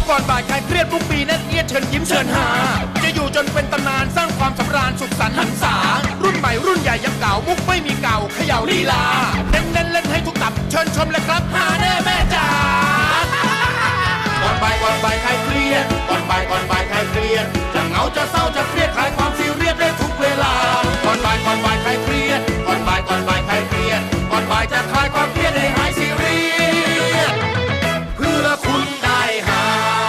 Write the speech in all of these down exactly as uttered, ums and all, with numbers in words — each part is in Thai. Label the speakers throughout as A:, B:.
A: ก่อนบ่ายคลายเครียดทุกปีแน่นเอียดเชิญยิ้มเชิญหาจะอยู่จนเป็นตำนานสร้างความสำราญสุขสันต์หันษารุ่นใหม่รุ่นใหญ่ยังเก่ามุกไม่มีเก่าเขย่าลีลาเน้นเล่นเล่นให้ทุกตับเชิญชมเลยครับหาแน่แม่จ๋าก่อนบ่ายก่อนบ่ายคลายเครียดก่อนบ่ายก่อนบ่ายคลายเครียดจะเหงาจะเศร้าจะเครียดคลายความซีเรียสได้ทุกเวลาก่อนบ่ายก่อนบ่ายคลายเครียดก่อนบ่ายก่อนบ่ายคลายเครียดก่อนบ่ายจะคลายความเครียดให้หายซีเรียสเพื่อคุณได้หา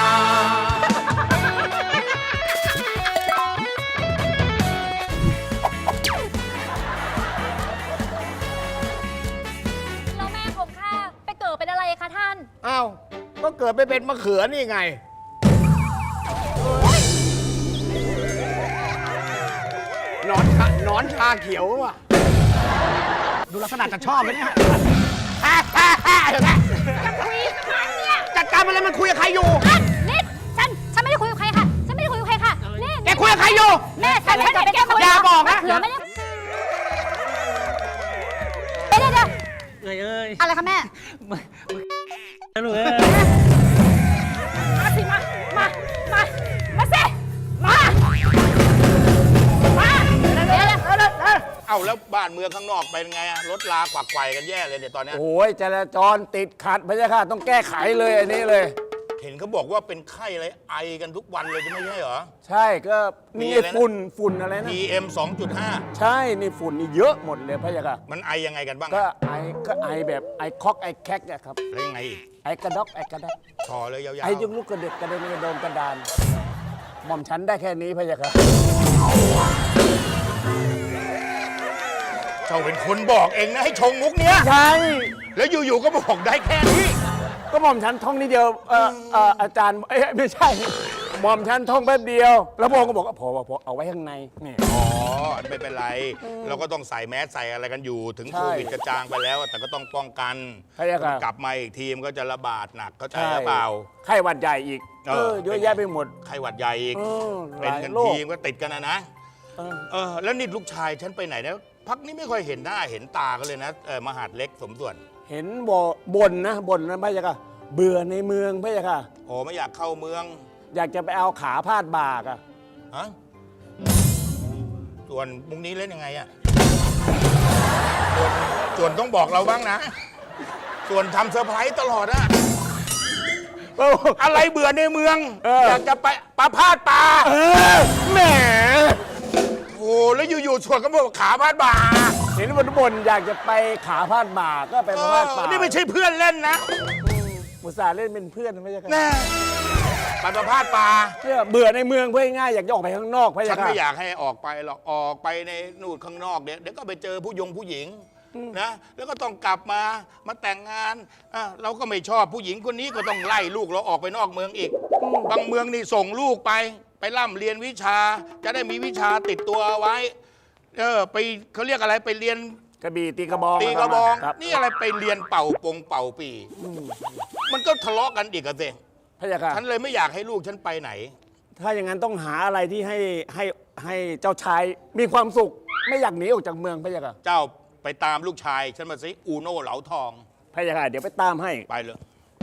B: แล้วแม่ผมค่ะไปเกิดเป็นอะไรคะท่าน
C: อ้าวก็เกิดไปเป็นมะเขือนี่ไงหนอนชาหนอนชาเขียวว่ะดูลักษณะจะชอบไหมเนี่ยฮ่าฮ่าฮ่าเห็นไหม
B: จะคุยกับมันเนี่ย
C: จัดการมันเลยมันคุยกับใครอยู่
B: อ่ะนี่ฉันฉันไม่ได้คุยกับใครค่ะฉันไม่ได้คุยกับใครค่ะนี่
C: แกคุยกับใครอยู่
B: แม่ฉันไม่ได้ไปแกคุย
C: อย่าบอกนะ
B: เหลือไม่ได้เดี๋ยวเดี๋ยว
D: เอ้ยเอ้ย
B: อะไรคะแม่
D: มามาลูกเอ้ย
B: มาสิมามามามาสิมามาเดี๋ยวเดี๋ยวเดี๋ยว
E: เอ้าแล้วบ้านเมืองข้างนอกเป็นไงอะรถลากวักไกวกันแย่เลยเนี่ยตอนเนี้ย
C: โอ้ยจราจรติดขัดพะยะค่ะต้องแก้ไขเลยอันนี้เลย
E: เห็นเขาบอกว่าเป็นไข้อะไรไอกันทุกวันเลยไม่ใช่เหรอ
C: ใช่ก็
E: มี
C: นี่
E: อะไรนะ
C: ฝุ่นฝุ่นอะไรนะ
E: พี เอ็ม สองจุดห้า
C: ใช่นี่ฝุ่นนี่เยอะหมดเลยพะยะค่ะ
E: มันไอยังไงกันบ้าง
C: ก็
E: อะ
C: ไอก็ไอแบบไอคอกไอแคกอะครับ
E: แล้วยังไงอีก
C: ไอกระดอกไอกระดอก
E: ชอเลยยาว
C: ไอยุงลูกกระเด็กกระเด็นกระโดนกระดาน หม่อมฉันได้แค่นี้พะยะค่ะ
E: ๆเจ้าเป็นคนบอกเองนะให้ชงมุกเนี้ย
C: ใช่
E: แล้วอยู่ๆก็บอกได้แค่นี้
C: ก็หม่อมฉันท่องนิดเดียวเออเอออาจารย์เอ้ยไม่ใช่หม่อมฉันท่องแป๊บเดียว แล้วพระองค์ก็บอกว่าพอพอเอาไว้ข้างในนี่
E: อ๋อไม่เป็นไร เราก็ต้องใส่แมสใส่อะไรกันอยู่ ถึง
C: ใช่
E: โควิดกระจางไปแล้ว แต่ก็ต้องป้องกัน
C: ใช่ครับ
E: กลับมาอีกทีมก็จะระบาดหนักเข้าใจ
C: ใช่
E: หรือเปล่า
C: ไข้หวัดใหญ่อีก
E: เอ
C: เอ
E: อ
C: อเยอะแยะไปหมด
E: ไข้หวัดใหญ่อีก
C: เออ
E: เป็นกัน
C: หลายโรค
E: ทีมก็ติดกันนะนะ
C: เออ
E: เออแล้วนี่ลูกชายฉันไปไหนนะพักนี้ไม่ค่อยเห็นหน้าเห็นตากันเลยนะเออมหาดเล็กสมส่วน
C: เห็นบ่บ่นนะบ่นนะพะยะค่ะเบื่อในเมืองพะยะค่ะ
E: โอ้ไม่อยากเข้าเมือง
C: อยากจะไปเอาขาพาดบ่ากอะ
E: ฮะส่วนมุกนี้เล่นยังไงอะส่วนส่วนต้องบอกเราบ้างนะ ส่วนทำเซอร์ไพรส์ตลอดอะ
C: โอ้
E: อะไรเบื่อในเมือง
C: เออ
E: อยากจะไปปลาพาดปลา
C: เออแหม
E: โอ้แล้วอยู่ๆส่วนก็บอกขาพาดบ่า
C: เห็นบ่นบ่นอยากจะไปขาพาดบ่าก็ไป
E: เอ
C: พาดบ่า
E: อนี่ไม่ใช่เพื่อนเล่นนะ
C: อุตส่าห์เล่นเป็นเพื่อนพะยะค่ะ
E: แน่ไปปลาพาดปลา
C: เนี่ยเบื่อในเมืองเพื่อง่ายๆอยากจะออกไปข้างนอกพะ
E: ฉั
C: ยะ
E: น
C: ค่ะ
E: ไม่อยากให้ออกไปหรอกออกไปในนู่นข้างนอกเดี๋ยวเดี๋ยวก็ไปเจอผู้ยงผู้หญิงนะแล้วก็ต้องกลับมามาแต่งงานอ่ะเราก็ไม่ชอบผู้หญิงคนนี้ก็ต้องไล่ลูกเราออกไปนอกเมืองอีก บางเมืองนี่ส่งลูกไป ไปร่ำเรียนวิชา จะได้มีวิชาติดตัวไว้เออไปเขาเรียกอะไรไปเรียน
C: กระบี่ตีกระบอง
E: ตีกระบอง
C: ครับ
E: นี่อะไรไปเรียนเป่าปงเป่าปี มันก็ทะเลาะกันอีกอะสิ
C: พะยะค่ะ
E: ฉันเลยไม่อยากให้ลูกฉันไปไหน
C: ถ้าอย่างนั้นต้องหาอะไรที่ให้ให้ให้เจ้าชายมีความสุข ไม่อยากหนีออกจากเมืองพะยะค่ะ
E: เจ้าไปตามลูกชาย ฉันมาสิอูโน่เหลาทอง
C: พะยะค่ะเดี๋ยวไปตามให้
E: ไปเลย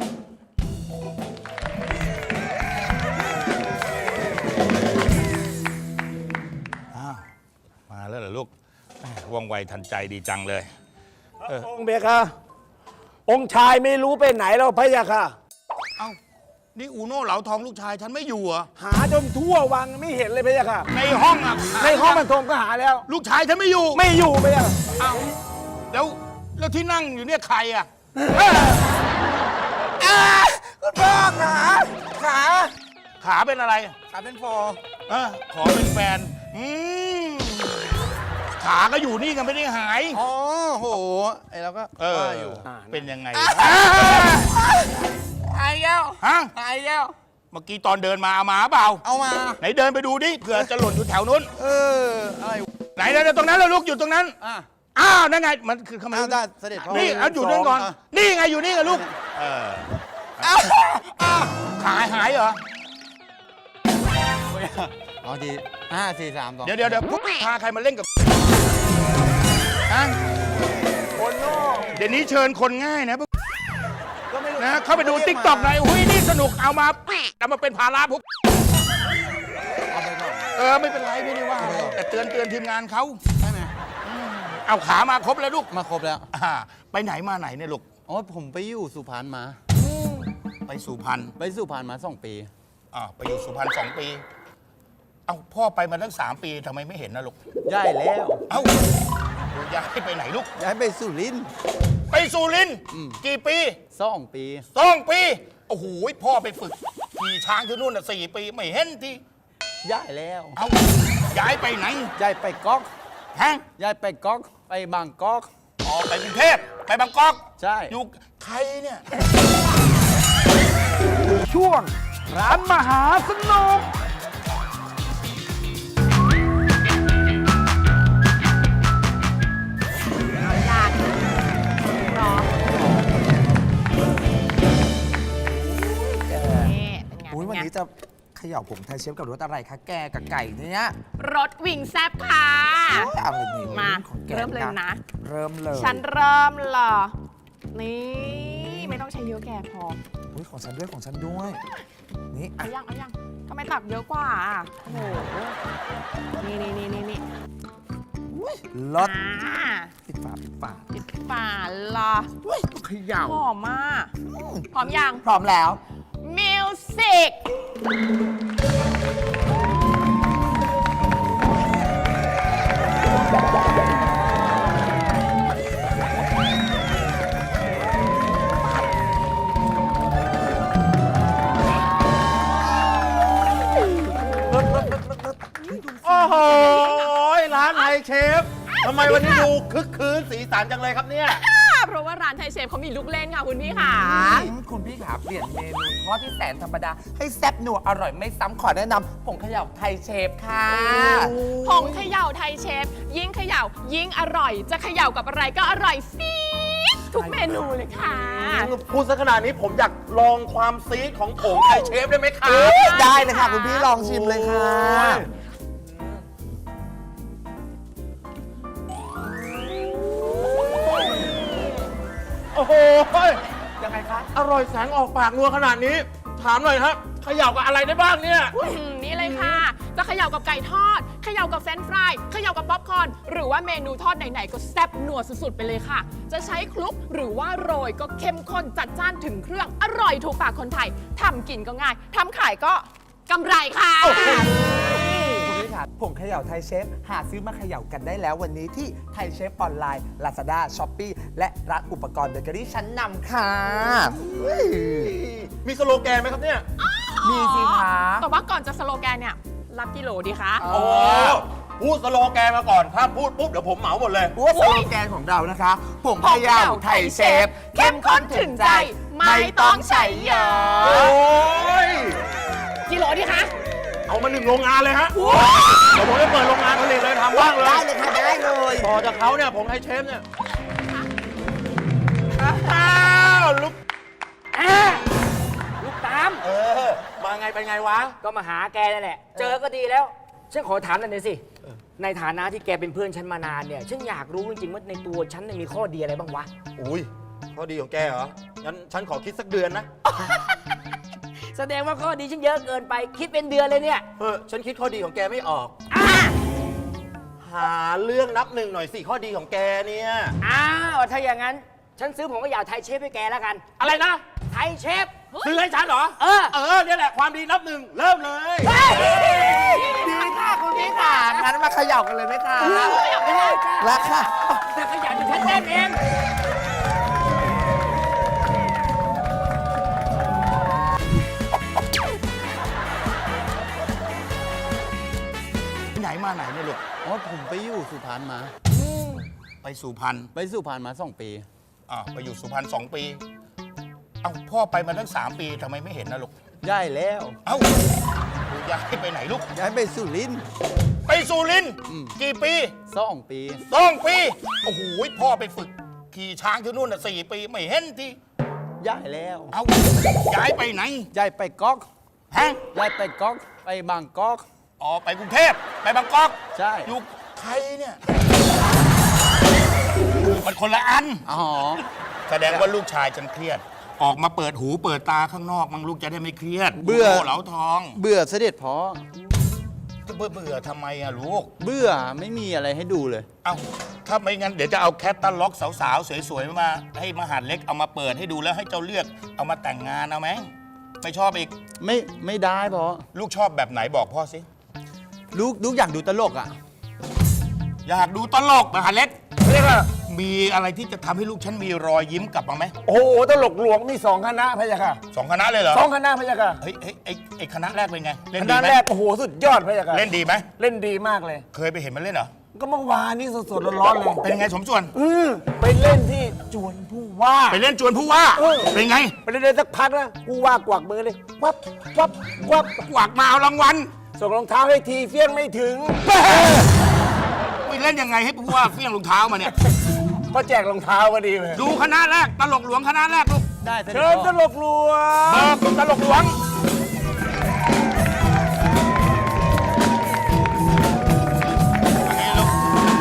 E: อ้าวมาแล้วเหรอลูกแหม่ว่องไวทันใจดีจังเลย เออ
C: องค์เบียค่ะ องค์ชายไม่รู้ไปไหนแล้วพะยะค่ะ
E: เอ้านี่อูโน่เหลาทองลูกชายฉันไม่อยู่เหรอ
C: หาจนทั่ววังไม่เห็นเลยพะยะค่ะ
E: ในห้องอ่ะ
C: ในห้องบรรทมก็หาแล้ว
E: ลูกชายฉันไม่อยู่
C: ไม่อยู่พะยะค่ะ
E: เอ้าแล้วแล้วที่นั่งอยู่เนี่ยใครอ่ะ
C: คุณพ่อขาขา
E: ขาเป็นอะไร
C: ขาเป็นฟอ
E: เออขอเป็นแฟน อืมขาก็อยู่นี่กันไม่ได้หาย
F: อ๋อโห ไอเราก็
E: เออ
F: ว่าอยู่
E: เป็นยังไง
F: หายแล้ว
E: ฮะ
F: หายแล้ว
E: เมื่อกี้ตอนเดินมาเอามาเปล่า
F: เอามา
E: ไหนเดินไปดูดิเผื่อจะหล่นอยู่แถวนู้น
F: เออ อะไร
E: ไหนนะตรงนั้นแล้วลูกอยู่ตรงนั้น
F: อ่ะ
E: อ้าวนั่นไงมันคือเข้ามา
F: เอาได้เสด็จพ่อ
E: นี่เอาอยู่นั่นก่อน
F: อ่ะ
E: นี่ไงอยู่นี่ไงลูกเออ
F: เอาเอา
E: ขาหายเหรอ
F: เอาทีห้าสี่สามสอง
E: เดี๋ยวเดี๋ยวเดี๋ยวพวกพาใครมาเล่นกับฮะ
C: คนนอก
E: เดี๋ยวนี้เชิญคนง่ายนะพวก
F: ก็ไม่รู้
E: นะเข้าไปดูติ๊กต็อกหน่อยหุ้ยนี่สนุกเอามาเอามาเป็นภาระพวก
F: เอาไปก่อน
E: เออไม่เป็นไรไม่ได้ว่าอะไร
F: ไม่เป็นไร
E: แต่เตือนเตือนทีมงานเขา
F: ใช่ไหม
E: เอาขามาครบแล้วลูก
F: มาครบแล้ว
E: อ่าไปไหนมาไหนเนี่ยลูก
F: อ๋อผมไปอยู่สุพรรณมา
E: ไปสุพรรณ
F: ไปสุพรรณมาสองปี
E: อ่าไปอยู่สุพรรณสองปี เอาพ่อไปมาตั้งสามปีทำไมไม่เห็นนะลูก
F: ย้ายแล้ว
E: เอ้าย้ายไปไหนลูก
F: ย้ายไปสุรินทร์
E: ไปสุรินทร์
F: อืม
E: กี่ปี
F: สองปี
E: สองปีโอ้โหพ่อไปฝึกขี่ช้างที่นู่นน่ะสี่ปีไม่เห็นที
F: ย้ายแล้ว
E: เอ้าย้ายไปไหน
F: ย้ายไปก๊อก
E: ฮะ
F: ย้ายไปก๊อก ไปบางก๊อก
E: อ๋อไปกรุงเทพไปบางกอก
F: ใช่
E: อยู่ใครเนี่ย
C: ช่วงร้านมหาสนุก
B: ยากรอนี่เป็นไง
G: อุ้ยวัน
B: เป็นไง
G: นี้จะเขย่าผงไทยเชฟกับรสอะไรคะแกกับไก่เนี่ย
B: รสวิงแซบค่ะ
G: เอาเลยนี่
B: มา
G: ของแก
B: เริ่มเลยนะ
G: เริ่มเลย
B: ฉันเริ่มเหรอ นี่ ไม่ต้องใช้เยอะแกพอ
G: อุ้ยของฉันด้วยของฉันด้วย นี่
B: เอา
G: อ่ะ
B: ยังเอายังทำไมตักเยอะกว่าอ่ะโอ้โห นี่นี่นี่นี่นี่
G: รส
B: อ่า
G: ปิดฝาปิดฝา
B: ปิดฝาเหรอ
G: อุ้ยเขย่า
B: หอมมากหอมยัง
G: พร้อมแล้ว
B: มิวสิก
D: โอ้โหร้านไทยเชฟทำไมวันนี้ดูคึกคืนสีสันจังเลยครับเนี่ย
B: เพราะว่าร้านไทยเชฟเขามีลูกเล่นค่ะคุณพี่ค่ะ
G: อืมคุณพี่ขาเปลี่ยนเมนูทอดที่แสนธรรมดา ให้แซ่บนัวอร่อยไม่ซ้ำขอแนะนำผงเขย่าไทยเชฟค่ะ
B: ผงเขย่าไทยเชฟ ยิ่งเขย่า ยิ่งอร่อย จะเขย่ากับอะไรก็อร่อยซีดทุกเมนูเลยค่ะ
D: พูดซะขนาดนี้ผมอยากลองความซีดของผงไทยเชฟได้ไหมครับ
G: ได้เลยค่ะ คุณพี่ลองชิมเลยค่ะ
D: โอ้โห
G: ยังไงคะ
D: อร่อยแสงออกปากนัวขนาดนี้ ถามหน่อยครับเขย่ากับอะไรได้บ้างเนี่ย
B: อืมนี่เลยค่ะ จะเขย่ากับไก่ทอด เขย่ากับเฟรนช์ฟราย เขย่ากับป๊อปคอร์น หรือว่าเมนูทอดไหนๆก็แซ่บนัวสุดๆไปเลยค่ะ จะใช้คลุกหรือว่าโรยก็เข้มข้นจัดจ้านถึงเครื่อง อร่อยถูกปากคนไทย ทำกินก็ง่าย ทำขายก็กำไรค่ะ
G: คุณพี่ขาผงเขย่าไทยเชฟ หาซื้อมาเขย่ากันได้แล้ววันนี้ที่ไทยเชฟออนไลน์ Lazada Shopee และร้านอุปกรณ์เบเกอรี่ชั้นนำค่ะ
D: มีสโลแกนไหมครับเนี่ย
G: มีสิคะ
B: แต่ว่าก่อนจะสโลแกนเนี่ย รับกิโลดีคะ
D: โอ้พูดสโลแกนมาก่อน ถ้าพูดปุ๊บเดี๋ยวผมเหมาหมดเลย
G: ว่าสโลแกนของเรานะคะผงเขย่าไทยเชฟ
B: เข้มข้นถึงใจ ไม่ต้องใช้เยอะ
D: โอ้ย
B: กิโลดีคะ
D: เอามาหนึ่งโรงงานเลยฮะเดี๋ยวผมจะเปิดโรงงานผลิตเลยทำบ้างเลย
G: ได้เลยค่ะ ได้เลย
D: พอจากเขาเนี่ยผมไทยเชฟเนี่ย อ้าวลูก
H: ลูกตาม
D: เออ มาไงไปไงวะ
H: ก็มาหาแกนั่นแหละ เจอก็ดีแล้ว ฉันขอถามหน่อยสิ ในฐานะที่แกเป็นเพื่อนฉันมานานเนี่ย ฉันอยากรู้จริงๆว่าในตัวฉันเนี่ยมีข้อดีอะไรบ้างวะ
D: อุ้ยข้อดีของแกเหรอ งั้นฉันขอคิดสักเดือนนะ
H: แสดงว่าข้อดีฉันเยอะเกินไป คิดเป็นเดือนเลยเนี่ย
D: เออ ฉันคิดข้อดีของแกไม่ออก
H: อ่า
D: หาเรื่องนับหนึ่งหน่อยสิ ข้อดีของแกเนี่ย
H: อ้าวถ้าอย่างนั้น ฉันซื้อผงกระยาไทยเชฟให้แกแล้วกัน
D: อะไรนะ
H: ไทยเชฟ
D: ซื้อให้ฉันเหรอ
H: เออ
D: เออเนี่ยแหละความดีนับหนึ่งเริ่มเลย
G: ดีค่ะคุณพี่ค่ะงั้นมาเขย่ากันเลยไหมคะ
H: ไม่ได้จ้ะ
G: แล้วค่ะ
H: แต่ขยันฉันเต้นเอง
E: ไหนมาไหนเนี่ยลูก
F: อ๋อผมไปอยู่สุพรรณมา
E: ไปสุพรรณ
F: ไปสุพรรณมาสองปี
E: อ่าไปอยู่สุพรรณสองปี เอ้าพ่อไปมาตั้งสามปีทำไมไม่เห็นนะลูก
F: ย้ายแล้ว
E: เอ้าย้ายไปไหนลูก
F: ย้ายไปสุรินทร์
E: ไปสุรินทร์
F: อืม
E: กี่ปี
F: สองปี
E: สองปี โอ้โหพ่อไปฝึกขี่ช้างที่นู่นน่ะสี่ปีไม่เห็นที
F: ย้ายแล้ว
E: เอ้าย้ายไปไหน
F: ย้ายไปก๊อก
E: ฮะ
F: ย้ายไปก๊อก ไปบางก๊อก
E: อ๋อไปกรุงเทพไปบางกอก
F: ใช่
E: อยู่ใครเนี่ยมันคนละอัน
F: อ๋อ
E: แสดงว่าลูกชายฉันเครียดออกมาเปิดหูเปิดตาข้างนอกมั้งลูกจะได้ไม่เครียด
F: เบื่อ
E: โโหเหลาทอง
F: เบื่อเสด็จพ่อ
E: จะเบื่อเบื่อทำไมอะลูก
F: เบื่อไม่มีอะไรให้ดูเลย
E: เอาถ้าไม่งั้นเดี๋ยวจะเอาแคตตาล็อกสาวๆ สวยๆ มา ให้มหาดเล็กเอามาเปิดให้ดูแล้วให้เจ้าเลือกเอามาแต่งงานเอาไหมไม่ชอบอีก
F: ไม่ไม่ได้พ่อ
E: ลูกชอบแบบไหนบอกพ่อสิ
F: ลูกลูกอยากดูตลกอ่ะ
E: อยากดูตลกมหาดเล็กเรียกว่ามีอะไรที่จะทำให้ลูกฉันมีรอยยิ้มกลับมาไหม
C: โอ้โหตลกหลวงมีสองคณะพะยะค่ะ
E: สองคณะเลยเหรอ
C: สองคณะพะยะค่ะ
E: เฮ้ยเฮ้ยไอ้ไอ้คณะแรกเป็นไงเล่น
C: ค
E: ดี
C: ณะ
E: ไหม
C: แรกโอ้โหสุดยอดพะยะค่ะ
E: เล่นดีไหม
C: เล่นดีมากเลย
E: เคยไปเห็นมันเล่นเหรอ
C: ก็เมื่อวานนี้สดๆร้อนๆเลย
E: เป็นไงสมส่วน
C: อือไปเล่นที่จวนผู้ว่า
E: ไปเล่นจวนผู้ว่า
C: เออ
E: เป็นไง
C: ไปเล่นได้สักพักนะผู้ว่ากวักมือเลยวับวับวับ
E: กวักมาเอารางวัล
C: ส่งรองเท้าให้ทีเฟี้ยงไม่ถึง
E: ไปเล่นยังไงให้ผู้ว่าเฟี้ยงรองเท้ามาเนี่ย
C: ก็แจกรองเท้าพอดีเลย
E: ดูคณะแรกตลกหลวงคณะแรกลูก
F: ได้เสด็จ
C: เชิญ
F: พ่
C: ต
F: อ
C: ลกหลวง
E: เบิกตลกหลวงอันนี้ลูก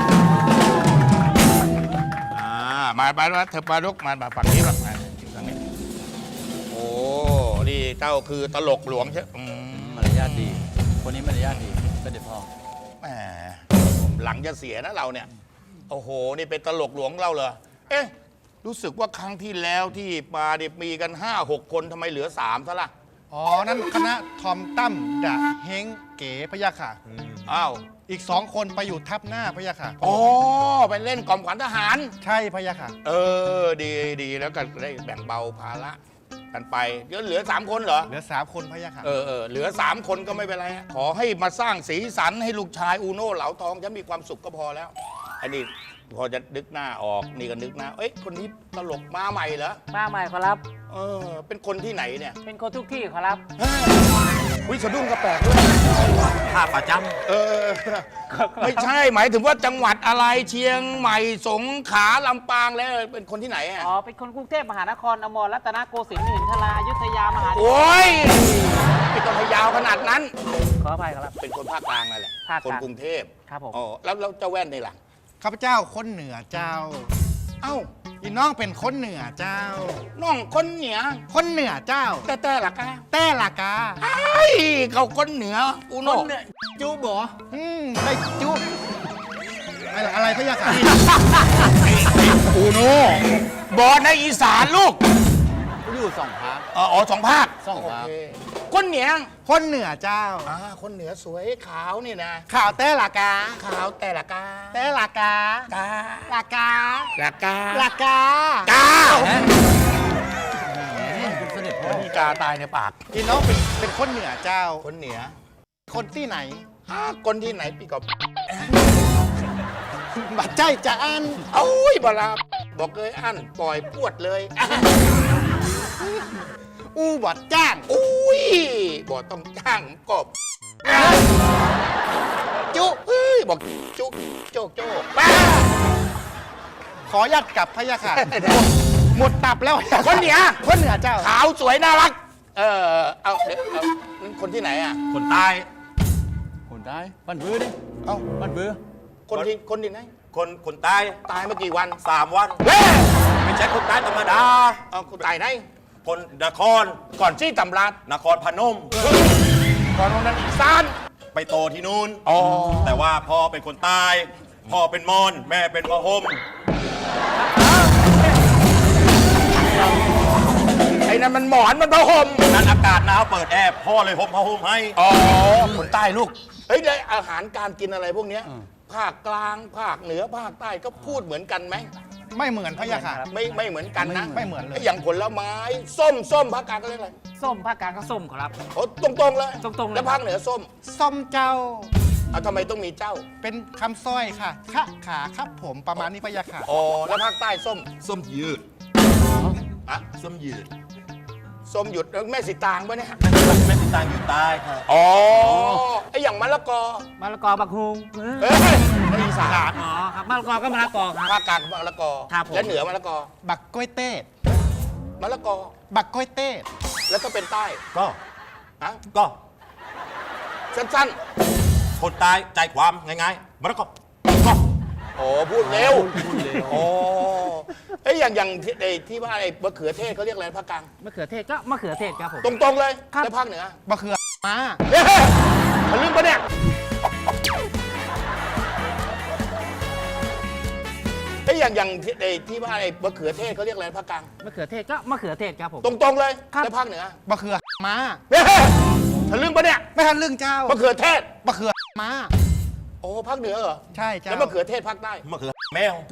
E: อ่ามาไปแล้วเธอปลาลูกมามาฝั่งนี้แบบมาฝั่งนี้โอ้นี่เจ้าคือตลกหลวงใช่อืม
F: มารยาทดี คนนี้มารยาทดีเสด็จพ่อ
E: แหมหลังจะเสียนะเราเนี่ย โอ้โห นี่เป็นตลกหลวงเราเหรอ เอ๊ะ รู้สึกว่าครั้งที่แล้วที่มาเนี่ยมีกันห้าหกคนทำไมเหลือสามซะล่ะ
I: อ๋อ นั่นคณะทอมตั้มดะเฮงเก๋พะยะค่ะ
E: อ้าว
I: อีกสองคนไปอยู่ทับหน้าพะยะค่ะ
E: อ๋อ ไปเล่นกล่อมขวัญทหาร
I: ใช่พะยะค่ะ
E: เออ ดีดีแล้วก็ได้แบ่งเบาภาระกันไปเดี๋ยวเหลือสามคนเหรอ
I: เหลือสามคนพะยะค่ะ
E: เออเออเหลือสามคนก็ไม่เป็นไรฮะขอให้มาสร้างสีสันให้ลูกชายอูโน่เหลาทองฉันมีความสุขก็พอแล้ว อันนี้พอจะนึกหน้าออกนี่ก็นึกหน้าเอ้ยคนนี้ตลกมาใหม่เหรอ
H: มาใหม่ขอรับ
E: เออเป็นคนที่ไหนเนี่ย
H: เป็นคนทุกที่ขอรับ
E: วิสะดุ้งกระแปลกด้วย
D: ท่าประจ
E: เออ ไม่ใช่หมายถึงว่าจังหวัดอะไรเชียงใหม่สงขลาลำปางแล้วเป็นคนที่ไหนอ่ะ
J: อ๋อ เป็นคนกรุงเทพมหานครอมรรัตนโกสินทร์มิถินทราอยุธยามหา
E: โอ้ยไม่ต้องพยาวขนาดนั้น
J: ขออภัยครับ
E: เป็นคนภาคกลางนั่นแหละ
J: ภาค
E: ค
J: ก
E: น
J: ลาง
E: กรุงเทพ
J: ครับผม
E: อ๋อแล้วแล้วเจ้าแว่นนี่ล่ะ
I: ข้าพเจ้าคนเหนือเจ้า
E: เอ้า
I: อีน้องเป็นคนเหนือเจ้า
E: น้องคนเหนือ
I: คนเหนือเจ้า
E: แต่แต่ละกา
I: แต่ละกา
E: ไอ้ยเขาคนเหนืออูโน่
I: จูบออืมได้จูบอะไรอะไรพะยะค่ะ
E: อูโน่บอในอีสานลูก
F: อยู่สองพัก
E: เอออ๋อสองภาค
F: สองภาค
E: โเคคนเหนือ
I: คนเหนือเจ้า
E: อ่าคนเหนือสวยขาวนี่นะ
I: ข่าวแต่ละกา
E: ขาวแต่ละกา
I: แต่ละกาก
E: า
I: ละกา
E: ละกา
I: ละกาก
E: า
F: เสด็จพ่อ
E: มีกาตายในปาก
I: อีน้องเป็นเป็นคนเหนือเจ้า
E: คนเหนือ
I: คนที่ไหน
E: ฮะคนที่ไหนปีกอบ
I: บัดใจจะอัน
E: เอ้ยบลาบอกเลยอันปล่อยปวดเลย
I: อู้บอดจ้าง
E: อุ้ยบอกต้องจ้างกบ
I: จุ
E: เฮ้ยบอกจุโจกโจกป้า
I: ขอยัดกลับพะยะค่ะ หมดตับแล้ว
E: คนเหนือ
I: คนเหนือเจ้า
E: ขาวสวยน่ารัก เออเอาเดี๋ยวเอานั่นคนที่ไหนอ่ะ
D: ำคนใต้
F: คนได้บันบื้อดิ
E: เอ้า
F: บันบื้อ
E: คนที่คนที่ไหน
D: คนคนใต้
E: ตายเมื่อกี่วัน
D: สามวัน
E: เฮ้ย
D: ไม่ใช่คนใต้ธรรมดา
E: เอาคนตายไหน
D: คนนคร
E: ก่อนที่ตำราด
D: นครพนม
E: ก่อนวันนั้นอีสาน
D: ไปโตที่นู่น
E: อ๋อ
D: แต่ว่าพ่อเป็นคนใต้ พ่อเป็นมอญแม่เป็นพะฮม
E: ไอ้นั่นมันหมอนมันผ้าห่ม
D: นั้นอากาศหนาวเปิดแอร์พ่อเลยห่มผ้าห่มให้
E: อ๋อ คนใต้ลูก เฮ้ยได้อาหารการกินอะไรพวกเนี้ยภาคกลาง ภาคเหนือ ภาคใต้ก็พูดเหมือนกันไหม
I: ไม่เหมือนพะยะค่ะ
E: ไม่ไม่เหมือนกันนะ
I: ไม่เหมือนเลย
E: อย่างผลไม้ ส้มส้มภาคกลางก็เรียกอะไร
J: ส้มภาคกลางก็ส้มขอรับ
E: โอ้ตรงตรงๆเลย
J: ตรงๆเลย
E: แล้วภาคเหนือส้ม
I: ส้มเจ้า
E: เอาทำไมต้องมีเจ้า
I: เป็นคำสร้อยค่ะคะขาครับผมประมาณนี้พะยะค่ะ
E: อ๋อ แล้วภาคใต้ส้ม
D: ส้มยืด
E: อะ
D: ส้มยืด
E: ส้มหยุดแล้วแม่สีตางปะเนี่ย
D: แม่ติดตางอยู่ใต้ค่ะ
E: อ๋อ ไออย่างมะละกอ
J: มะละกอบักฮุง
E: เฮ้ยในอีสาน
J: อ๋อครับมะละกอก็มะละกอครับ
E: ภาคกลางมะละกอ
J: ครับผม
E: และเหนือมะละกอ
I: บักกล้วยเต้
E: มะละกอ
I: บักกล้วยเต้
E: แล้วก็เป็นใต้
D: ก็
E: ฮะ
D: ก็
E: สั้น
D: คนใต้ใจความง่ายๆมันก็ก็
E: ๆ โอ้พูดเร็ว โอ้เอ้ยอย่างอย่างที่ไอ้ที่ว่าไอ้มะเขือเทศเขาเรียกอะไรภาคกลาง
J: มะเขือเทศก็มะเขือเทศครับผม
E: ตรงๆเลยแล้วภาคเหนือ
I: มะเขือมา
E: เฮ้ยทะลึ่งปะเนี่ยเอ้ยอย่างอย่างที่ไอ้ที่ว่าไอ้มะเขือเทศเขาเรียกอะไรภาคกลาง
J: มะเขือเทศก็มะเขือเทศครับผม
E: ตรงๆเลยแล้วภาคเหนือ
I: มะเขือมา
E: เฮ้ยทะลึ่งปะเนี่ย
I: ไม่ทันเรื่องเจ้าม
E: ะเขือเทศ
I: มะเขือมา
E: โอ้ภาคเหนือเหรอ
I: ใช่เจ้า
E: แล้วมะเขือเทศภาคใต้
D: มะเขือแมว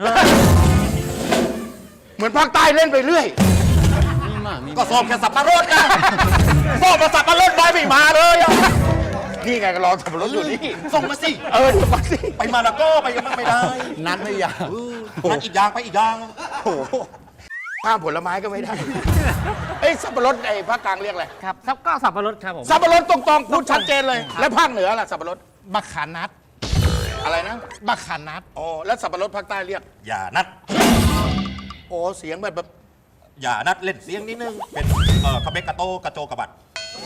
E: เหมือนภาคใต้เล่นไปเรื่อย
F: มีมามี
D: ก็สอบแค่สับปะรดกันสอบมาสับปะรดบอยไม่มาเลยอะ
E: นี่ไงก็รอสับปะรดอยู่นี่
D: ส่งมาสิ
E: เออเดี๋ยวมาสิ
D: ไปมาแล้วก็ไปกันบ้างไม่ได้
F: นัดไม่อยาก
D: นัดอีกอย่างไปอีกอย่าง
E: โอ้โหข้ามผลไม้ก็ไม่ได้ เอ้ยสับปะรดไอ้ภาคกลางเรียกอะไร
J: ครับซับก็สับปะรดครับผม
E: สับปะรดตรงๆพูดชัดเจนเลย แล้วภาคเหนือล่ะสับปะรด
I: มะขานัด
E: อะไรนะ
I: มะขานัด
E: อ๋อแล้วสับปะรดภาคใต้เรียก
D: อย่านัด
E: โอ้เสียงแบบแบบ
D: อย่านัดเล่นเสียงนิดนึง เป็นเอ่อกระเบกกระโตกระโจกระบัด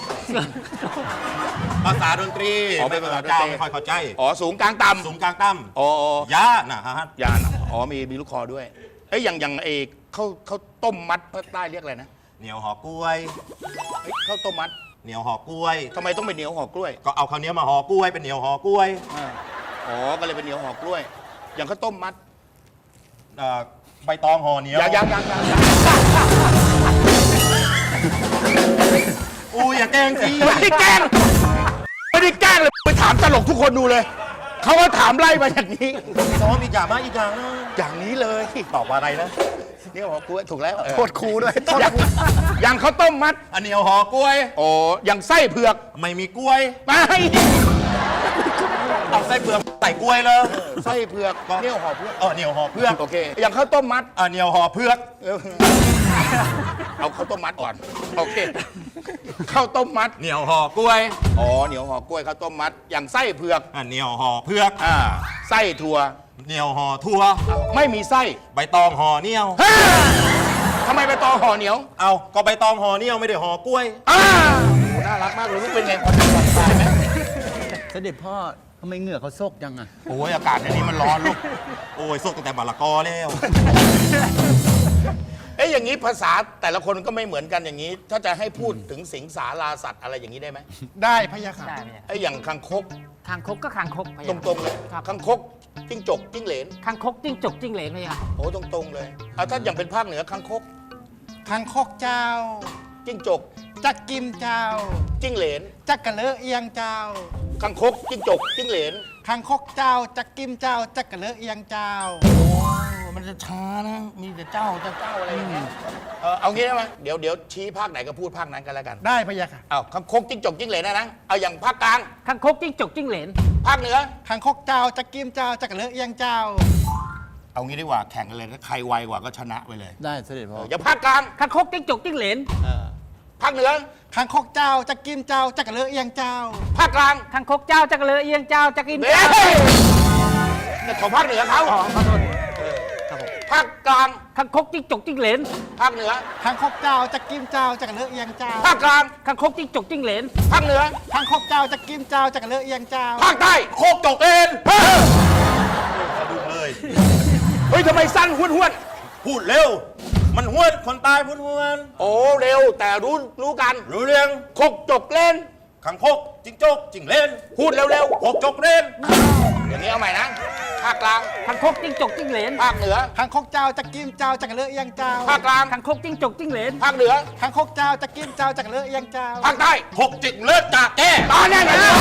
D: ภาษาดนตรี
E: อ๋อเป็นภาษาดนตรี
D: เจ้าไม่ค่อยเข้าใจ
E: อ๋อสูงกลางต่ำ
D: สูงกลางต่
E: อ๋ออ๋อ
D: ำยานะฮะ
E: ยานอ๋อมีมีลูกคอด้วยเอ้ยอย่างอย่างเอกข้าวข้าวต้มมัดภาคใต้เรียกอะไรนะ
D: เหนียวห่อกล้วย
E: เอ้ยข้าวต้มมัด
D: เหนียวห่อกล้วย
E: ทำไมต้องเป็นเหนียวห่อกล้วย
D: ก็เอาข้าวเหนียวมาห่อกล้วยเป็นเหนียวห่อกล้วย
E: อ๋อก็เลยเป็นเหนียวห่อกล้วย อย่างข้าวต้มมัด
D: เอ่อใบตองห่อเหนียว
E: ยังยังยังยังยัง
D: อู้อย่าแกล้งสิ
E: ไม่ได้แกล้งไม่ได้แกล้งเลยไปถามตลกทุกคนดูเลย เขาก็ถามไล่มาอย่างนี้
D: ซ้อมอีกอย่างมาอีกอย่างนะ
E: อย่างนี้เลย
D: ตอบว่าอะไรนะ
E: เนี่ยห่อกล้วยถูกแล้ว
I: โทษครูด้วยโทษ
E: อย่าง
I: ครู
E: อย่างข้าวต้มมัด
D: อันเหนียวห่อกล้วย
E: โอ้อย่างไส้เผือก
D: ไม่มีกล้วย
E: ไม่
D: เอาไส้เปลือกใส่กล้วยเลย
E: ไส้เผือกเนี่ยห่อเผือก
D: เออเหนียวห่อเพือก
E: โอเค อย่างข้าวต้มมัด
D: อ่ะเหนียวห่อเพือก
E: เออเอาข้าวต้มมัดก่อน โอเค ข้าวต้มมัด
D: เหนียวห่อกล้วย
E: อ๋อ เหนียวห่อกล้วยข้าวต้มมัด อย่างไส้เผือก
D: อ่ะเหนียวห่อเพือก
E: อ่า ไส้ถั่ว
D: เหนียวห่อทั่ว
E: ไม่มีไส้
D: ใบตองห่อเหนียว
E: ฮ่าทำไมไปตอห่อเหนียว
D: เอาก็ใบตองห่อเหนียวไม่ได้ห่อกล้วย
E: อ่าโอ้น่ารักมากเลยลูกเป็นไงคนจังหวัดตายไหม
F: เสด็จพ่อทำไมเหงื่อเขาโซกจังอ่ะ
E: โอ้ยอากาศในนี้มันร้อนลูก
D: โอ้ยสกตั้งแต่บาละกอแล้ว
E: เอ้ยอย่างนี้ภาษาแต่ละคนก็ไม่เหมือนกันอย่างนี้ ถ้าจะให้พูดถึงสิงสาราสัตว์อะไรอย่างนี้ได้ไหม
I: ได้พะยะค่ะ
J: ได้ไหมเนี่ย
E: ไอ้อย่างคังคก
J: คางคกก็คางคกไป
E: ตรงๆเลย
J: ครับ
E: คังคกจิ้งจกจิ้งเหลน
J: คางคกจิ้งจกจิ้งเหลนเลยครับ
E: โอ้ตรงๆเลยเอาถ้าอย่างเป็นภาคเหนือคังคก
I: ทางคกเจ้า
E: จิ้งจก
I: จักกิมเจ้า
E: จิ้งเหลน
I: จักกะเลอะเอียงเจ้า
E: คังคกจิ้งจกจิ้งเหลน
I: ทางคกเจ้า จักกิมเจ้า จักกะเลอะเอียงเจ้า
E: โอ้มันจะช้านะ มีแต่เจ้าเจ้าเจ้าอะไรอย่างเงี้ยเออเอางี้ได้ไหมเดี๋ยวเดี๋ยวชี้ภาคไหนก็พูดภาคนั้นกันแล้วกัน
I: ได้พะยะค่ะ
E: เอาคังคกจิ้งจกจิ้งเหลนนะนะเอาอย่างภาคกลาง
J: คางคกจิ้งจกจิ้งเหลน
E: ภาคเหนือ
I: ทางคกเจ้า จักกิมเจ้า จักกะเลอะเอียงเจ้า
E: เอางี้ดีกว่าแข่งกันเลยถ้าใครไวกว่าก็ชนะไปเลย
F: ได้เสด็จพ่
E: เอ
F: อ
E: ออย่าภาคกลาง
J: คางคกจิ้งจกจิ้งเหลน
E: ภาคเหนือ
I: ทางคกเจ้า จักกิมเจ้า จักกะเลอะเอียงเจ้า
E: ภาคกลาง
J: คางคกเจ้าจักรเลอเอียงเจ้าจักริน
E: เฮ้
J: เจ้าย
E: นี่ของภาคเหนือเขา
J: อ๋อขอโทษครับผม
E: ภาคกลาง
J: คางคกจิ้งจกจิ้งเหลน
E: ภาคเหนือ
I: ทางคกเจ้า จักกิมเจ้า จักกะเลอะเอียงเจ้า
E: ภาคกลาง
J: คางคกจิ้งจกจิ้งเหลน
E: ภาคเหนือ
I: ทางคกเจ้า จักกิมเจ้า จักกะเลอะเอียงเจ้า
E: ภาคใต้
D: โคกจกเอ็น
E: เฮ้ย
D: สะดุ้งเลย
E: เฮ้ยทำไมสั้นห้วนห้วน
D: พูดเร็ว มันห้วนคนตายพูดห้วน
E: ๆโอ้เร็วแต่รู้รู้กัน
D: รู้เรื่อง
E: คกจกเล่น
D: ขังคกจิงโจกจิงเล่น
E: พูดเร็ว
D: โคกจกเล่น
E: ๆอย่างนี้เอาใหม่นะ ภาคกลาง
J: คางคกจิ้งจกจิ้งเหลน
E: ภาคเหนือ
I: ทางคกเจ้า จักกิมเจ้า จักกะเลอะเอียงเจ้า
E: ภาคกลาง
J: คางคกจิ้งจกจิ้งเหลน
E: ภาคเหนือ
I: ทางคกเจ้า จักกิมเจ้า จักกะเลอะเอียงเจ้า
E: ภาคใต้
D: หกจิกเลือดจากแก้
E: ตอนนี้ไงแล้ว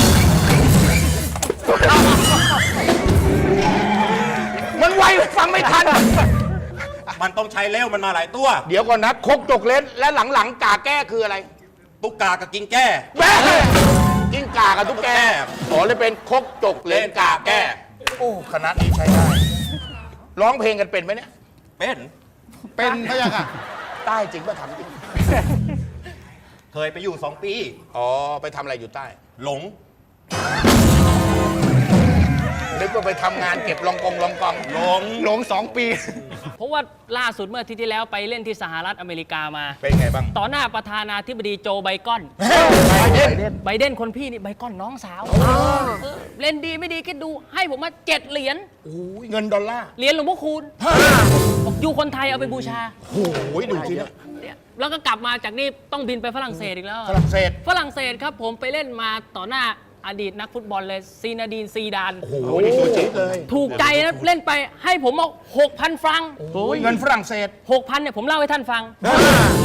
E: มันไวฟังไม่ทัน
D: มันต้องใช้เร็วมันมาหลายตัว
E: เดี๋ยวก่อนนะคกจกเล่นและหลังๆกาแก้คืออะไร
D: ตุ๊กกากับกิงแก้
E: แม่กิ้งกากับตุ๊กแก
D: ตุ๊กแก
E: อ๋อเลยเป็นคกจกเล่นกาแก้ โอ้คณะนี้ใช้ได้ ร้องเพลงกันเป็นไหมเนี่ย
D: เป็น
I: เป็นพะยะค่ะ
E: ใต้จริงป่ะทำจริง
D: เคยไปอยู่สองปี
E: อ๋อ ไปทำอะไรอยู่ใต้
D: หลง
E: นึกว่าไปทำงานเก็บลองกองลองกองหลง
C: หลงสองปี
J: เพราะว่าล่าสุดเมื่ออาทิตย์ที่แล้วไปเล่นที่สหรัฐอเมริกามา
E: เป็นไงบ้าง
J: ต่อหน้าประธานาธิบดีโจไบกอน
E: ไปเด่น
J: ไบเดนคนพี่นี่ไบกอนน้องสาวเออเล่นดีไม่ดีคิดดูให้ผมมาเจ็ดเหรียญ
E: เงินดอลลาร์
J: เหรียญหลวงพ่อคูณบอกอยู่คนไทยเอาไปบูชา
E: โอ้ยดูสินะ
J: เนี่ยแล้วก็กลับมาจากนี่ต้องบินไปฝรั่งเศสอีกแล้ว
E: ฝรั่งเศส
J: ฝรั่งเศสครับผมไปเล่นมาต่อหน้าอดีตนักฟุตบอลเลยซีนาดีนซีดาน
E: โอ้โหนี่ตัวจี๊ดเลย
J: ถูกใจนะเล่นไปให้ผมเอาหกพันฟรัง
E: เงินฝรั่งเศส
J: หกพันเนี่ยผมเล่าให้ท่านฟัง